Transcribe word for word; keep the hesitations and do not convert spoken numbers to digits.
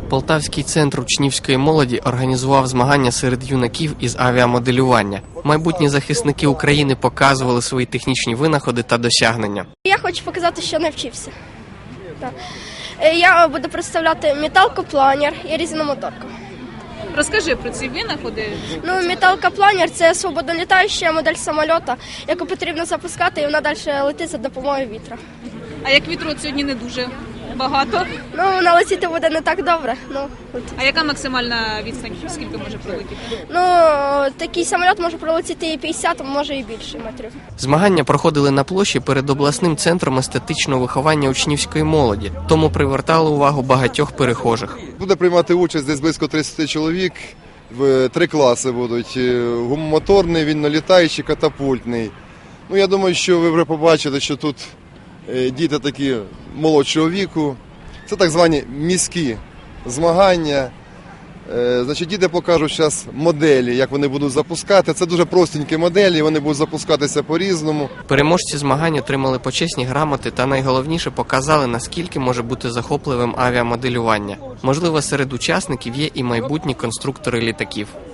Полтавський центр учнівської молоді організував змагання серед юнаків із авіамоделювання. Майбутні захисники України показували свої технічні винаходи та досягнення. Я хочу показати, що навчився. Я буду представляти металкопланер і різномоторку. Розкажи про ці винаходи. Ну, металкопланер – це свободолітаюча модель самоліта, яку потрібно запускати, і вона далі летить за допомогою вітра. А як вітру от сьогодні не дуже багато? Ну, вона летіти буде не так добре. Ну, от. А яка максимальна відстань, скільки може пролетіти? Ну, такий самоліт може пролетіти і п'ятдесят, а може і більше метрів. Змагання проходили на площі перед обласним центром естетичного виховання учнівської молоді, тому привертали увагу багатьох перехожих. Буде приймати участь десь близько тридцять чоловік, в три класи будуть: гумомоторний, вільнолітаючий, катапультний. Ну, я думаю, що ви вже побачили, що тут діти такі молодшого віку. Це так звані міські змагання. Значить, діти покажуть зараз моделі, як вони будуть запускати. Це дуже простенькі моделі, вони будуть запускатися по-різному. Переможці змагань отримали почесні грамоти та найголовніше показали, наскільки може бути захопливим авіамоделювання. Можливо, серед учасників є і майбутні конструктори літаків.